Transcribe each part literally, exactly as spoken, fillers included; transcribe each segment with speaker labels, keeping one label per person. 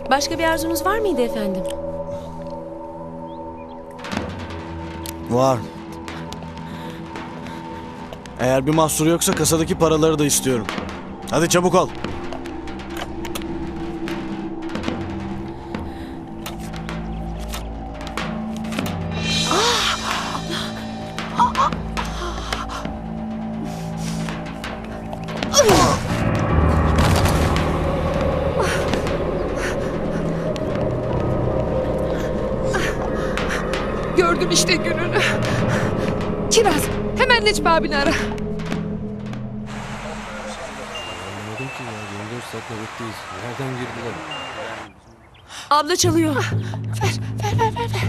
Speaker 1: Başka bir arzunuz var mıydı efendim?
Speaker 2: Var. Eğer bir mahsuru yoksa kasadaki paraları da istiyorum. Hadi çabuk ol.
Speaker 3: Gördüm işte gününü. Kiraz, hemen Necmi abini ara.
Speaker 4: Anlamadım ki ya. yirmi dört saat nöbetteyiz. Nereden girdiler?
Speaker 1: Abla çalıyor.
Speaker 3: Ver, ver, ver, ver. ver.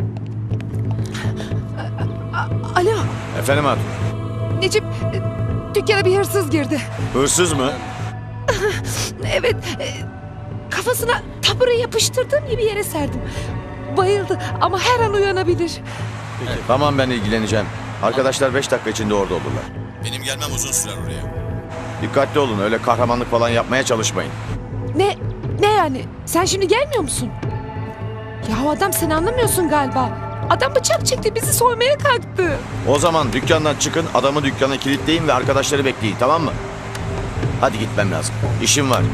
Speaker 3: A- Alo,
Speaker 2: Efendim hatun.
Speaker 3: Necip, e, dükkana bir hırsız girdi.
Speaker 2: Hırsız mı?
Speaker 3: Evet, e, kafasına tabure yapıştırdığım gibi yere serdim. Bayıldı ama her an uyanabilir.
Speaker 5: Tamam, ben ilgileneceğim. Arkadaşlar beş dakika içinde orada olurlar.
Speaker 2: Benim gelmem uzun sürer oraya.
Speaker 5: Dikkatli olun, öyle kahramanlık falan yapmaya çalışmayın.
Speaker 3: Ne, ne yani? Sen şimdi gelmiyor musun? Ya adam sen anlamıyorsun galiba. Adam bıçak çekti, bizi soymaya kalktı.
Speaker 5: O zaman dükkandan çıkın, adamı dükkana kilitleyin ve arkadaşları bekleyin, tamam mı? Hadi gitmem lazım. İşim var.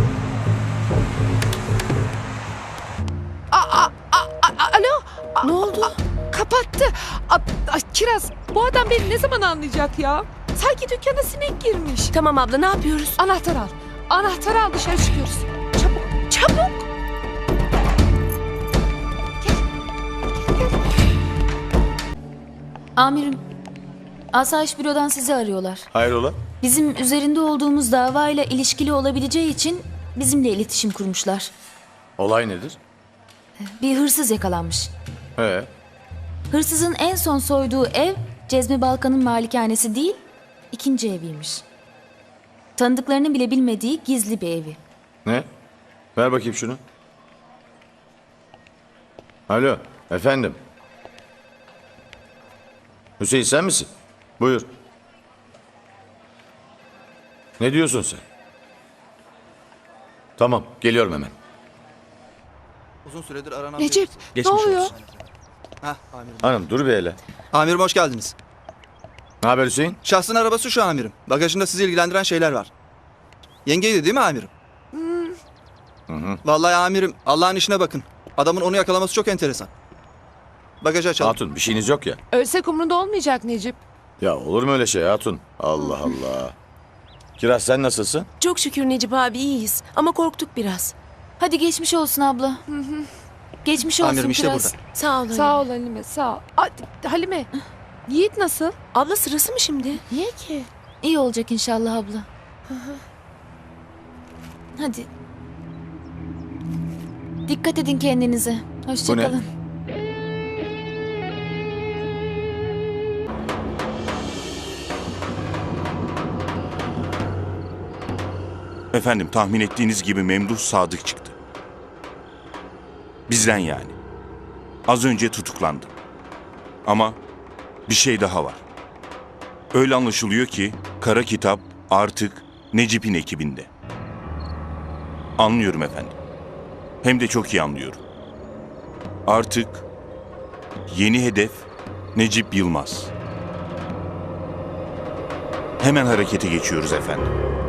Speaker 3: A, a, a, a- alo? A-
Speaker 1: Ne oldu?
Speaker 3: a- kapattı. A, a, Kiraz, bu adam beni ne zaman anlayacak ya? Sanki dükkana sinek girmiş.
Speaker 1: Tamam abla, ne yapıyoruz?
Speaker 3: Anahtar al. Anahtar al, dışarı çıkıyoruz. Çabuk, çabuk.
Speaker 6: Amirim, Asayiş Büro'dan sizi arıyorlar.
Speaker 5: Hayrola?
Speaker 6: Bizim üzerinde olduğumuz davayla ilişkili olabileceği için bizimle iletişim kurmuşlar.
Speaker 5: Olay nedir?
Speaker 6: Bir hırsız yakalanmış.
Speaker 5: He.
Speaker 6: Hırsızın en son soyduğu ev Cezmi Balkan'ın malikanesi değil, ikinci eviymiş. Tanıdıklarının bile bilmediği gizli bir evi.
Speaker 5: Ne? Ver bakayım şunu. Alo, efendim. Hüseyin sen misin? Buyur. Ne diyorsun sen? Tamam, geliyorum hemen.
Speaker 7: Uzun süredir aranan
Speaker 3: Necip,
Speaker 7: bir...
Speaker 3: ne oluyor?
Speaker 7: Hah, amirim.
Speaker 5: Hanım dur bir hele.
Speaker 7: Amirim hoş geldiniz.
Speaker 5: Ne haber Hüseyin?
Speaker 7: Şahsın arabası şu amirim. Bagajında sizi ilgilendiren şeyler var. Yengeydi değil mi amirim?
Speaker 5: Hı hı.
Speaker 7: Vallahi amirim Allah'ın işine bakın. Adamın onu yakalaması çok enteresan. Bagajı açalım.
Speaker 5: Hatun bir şeyiniz yok ya.
Speaker 3: Ölsek umrunda olmayacak Necip.
Speaker 5: Ya olur mu öyle şey Hatun? Allah Allah. Kiraz sen nasılsın?
Speaker 1: Çok şükür Necip abi, iyiyiz. Ama korktuk biraz.
Speaker 6: Hadi geçmiş olsun abla. Geçmiş olsun
Speaker 7: Amirim işte
Speaker 6: Kiraz.
Speaker 7: burada.
Speaker 1: Sağ ol.
Speaker 3: Sağ ol Halime, sağ ol. A, Halime, Yiğit nasıl?
Speaker 1: Abla, sırası mı şimdi?
Speaker 3: Niye ki?
Speaker 6: İyi olacak inşallah abla. Hadi. Dikkat edin kendinize. Hoşça
Speaker 5: Bu ne?
Speaker 6: kalın.
Speaker 8: Efendim tahmin ettiğiniz gibi Memduh Sadık çıktı. Bizden yani. Az önce tutuklandı. Ama bir şey daha var. Öyle anlaşılıyor ki Kara Kitap artık Necip'in ekibinde. Anlıyorum efendim. Hem de çok iyi anlıyorum. Artık yeni hedef Necip Yılmaz. Hemen harekete geçiyoruz efendim.